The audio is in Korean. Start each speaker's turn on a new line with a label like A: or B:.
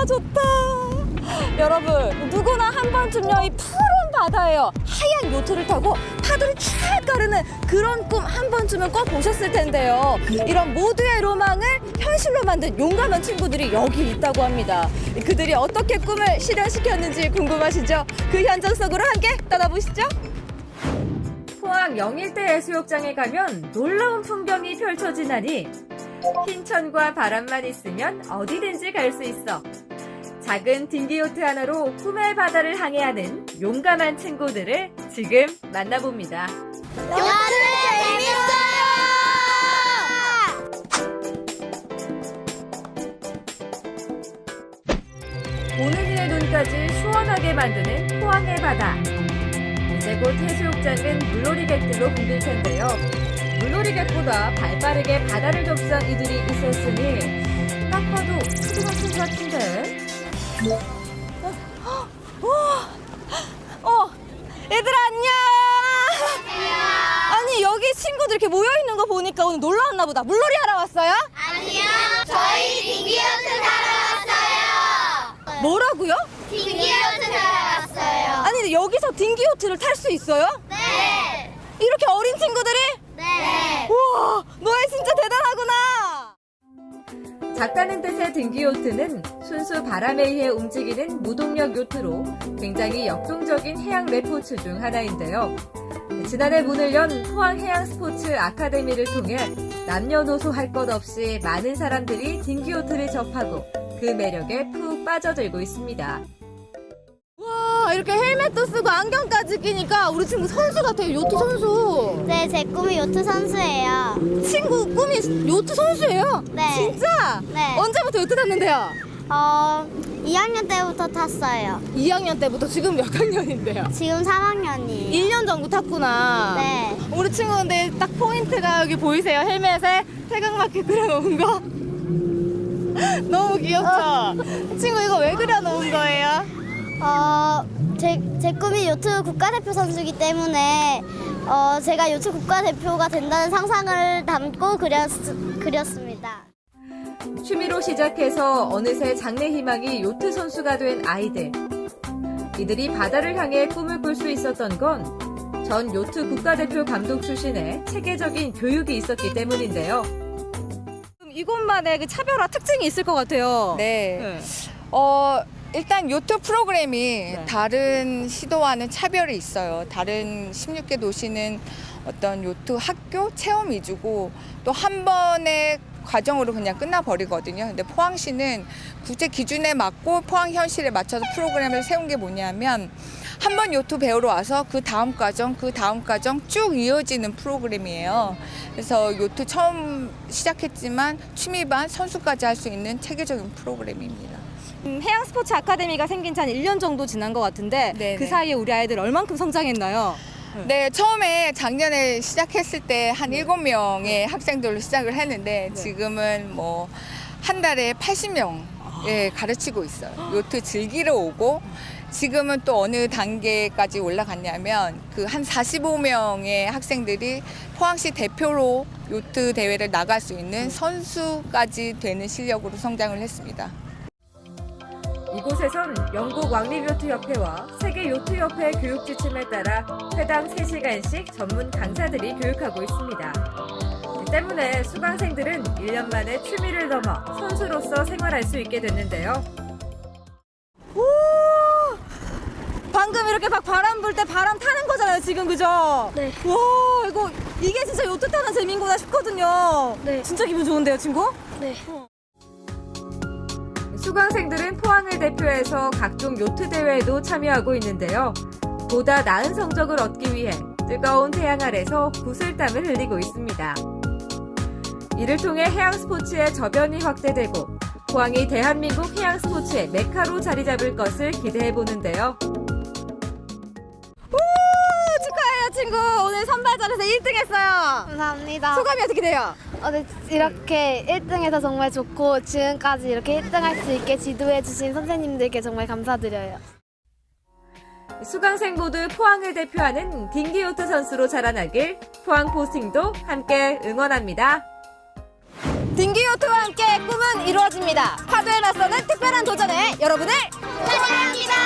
A: 좋다. 여러분, 누구나 한 번쯤요 이 푸른 바다에요 하얀 요트를 타고 파도를 쫙 가르는 그런 꿈 한 번쯤은 꼭 보셨을 텐데요. 이런 모두의 로망을 현실로 만든 용감한 친구들이 여기 있다고 합니다. 그들이 어떻게 꿈을 실현시켰는지 궁금하시죠? 그 현장 속으로 함께 떠나보시죠. 포항 영일대 해수욕장에 가면 놀라운 풍경이 펼쳐지나니 흰천과 바람만 있으면 어디든지 갈 수 있어. 작은 딩기요트 하나로 꿈의 바다를 항해하는 용감한 친구들을 지금 만나봅니다.
B: 요트 재밌어요!
A: 오늘의 눈까지 시원하게 만드는 포항의 바다. 이제 곧 해수욕장은 물놀이객들로 붐빌 텐데요. 물놀이객보다 발빠르게 바다를 접수한 이들이 있었으니 딱 봐도 초등학생 같은데? 얘들아 안녕! 아니 여기 친구들 이렇게 모여있는 거 보니까 오늘 놀러 왔나 보다. 물놀이 하러 왔어요?
B: 아니요, 저희 딩기요트 타러 왔어요.
A: 뭐라고요?
B: 딩기요트 타러 왔어요.
A: 아니 근데 여기서 딩기요트를 탈 수 있어요?
B: 네.
A: 이렇게 어린 친구들이?
B: 네.
A: 우와, 너희 진짜 대단하구나. 작다는 뜻의 딩기요트는 순수 바람에 의해 움직이는 무동력 요트로 굉장히 역동적인 해양 레포츠 중 하나인데요. 지난해 문을 연 포항해양스포츠 아카데미를 통해 남녀노소 할 것 없이 많은 사람들이 딩기요트를 접하고 그 매력에 푹 빠져들고 있습니다. 와, 이렇게 헬멧도 쓰고 안경까지 끼니까 우리 친구 선수 같아요. 요트 선수.
B: 네, 제 꿈이 요트 선수예요.
A: 친구 꿈이 요트 선수예요?
B: 네.
A: 진짜?
B: 네.
A: 언제부터 요트 탔는데요?
B: 2학년 때부터 탔어요.
A: 2학년 때부터 지금 몇 학년인데요?
B: 지금 3학년이에요.
A: 1년 정도 탔구나.
B: 네.
A: 우리 친구 근데 딱 포인트가 여기 보이세요? 헬멧에 태극마크 그려놓은 거? 너무 귀엽죠? 친구 이거 왜 그려놓은 거예요?
B: 제 꿈이 요트 국가대표 선수이기 때문에 제가 요트 국가대표가 된다는 상상을 담고 그렸습니다.
A: 취미로 시작해서 어느새 장래 희망이 요트 선수가 된 아이들. 이들이 바다를 향해 꿈을 꿀 수 있었던 건 전 요트 국가대표 감독 출신의 체계적인 교육이 있었기 때문인데요. 이곳만의 그 차별화 특징이 있을 것 같아요.
C: 네. 일단 요트 프로그램이 다른 시도와는 차별이 있어요. 다른 16개 도시는 어떤 요트 학교 체험 위주고 또 한 번의 과정으로 그냥 끝나버리거든요. 근데 포항시는 국제 기준에 맞고 포항 현실에 맞춰서 프로그램을 세운 게 뭐냐면 한 번 요트 배우러 와서 그 다음 과정 쭉 이어지는 프로그램이에요. 그래서 요트 처음 시작했지만 취미반 선수까지 할 수 있는 체계적인 프로그램입니다.
A: 해양 스포츠 아카데미가 생긴 지 한 1년 정도 지난 것 같은데
C: 네네.
A: 그 사이에 우리 아이들 얼만큼 성장했나요?
C: 네, 처음에 작년에 시작했을 때 한 7명의 학생들로 시작을 했는데 지금은 뭐 한 달에 80명 가르치고 있어요. 요트 즐기러 오고 지금은 또 어느 단계까지 올라갔냐면 그 한 45명의 학생들이 포항시 대표로 요트 대회를 나갈 수 있는 선수까지 되는 실력으로 성장을 했습니다.
A: 이곳에선 영국 왕립요트협회와 세계요트협회 교육 지침에 따라 회당 3시간씩 전문 강사들이 교육하고 있습니다. 이 때문에 수강생들은 1년 만에 취미를 넘어 선수로서 생활할 수 있게 됐는데요. 오! 방금 이렇게 막 바람 불 때 바람 타는 거잖아요, 지금 그죠?
B: 네.
A: 와, 이게 진짜 요트 타는 재미인구나 싶거든요.
B: 네.
A: 진짜 기분 좋은데요, 친구?
B: 네.
A: 수강생들은 포항을 대표해서 각종 요트 대회에도 참여하고 있는데요. 보다 나은 성적을 얻기 위해 뜨거운 태양 아래서 구슬땀을 흘리고 있습니다. 이를 통해 해양 스포츠의 저변이 확대되고 포항이 대한민국 해양 스포츠의 메카로 자리 잡을 것을 기대해 보는데요. 축하해요, 친구. 오늘 선발전에서 1등 했어요.
B: 감사합니다.
A: 소감이 어떻게 돼요?
B: 네, 이렇게 1등해서 정말 좋고 지금까지 이렇게 1등 할 수 있게 지도해 주신 선생님들께 정말 감사드려요.
A: 수강생 모두 포항을 대표하는 딩기요트 선수로 자라나길 포항 포스팅도 함께 응원합니다. 딩기 요트와 함께 꿈은 이루어집니다. 파도에 맞서는 특별한 도전에 여러분을
B: 환영합니다.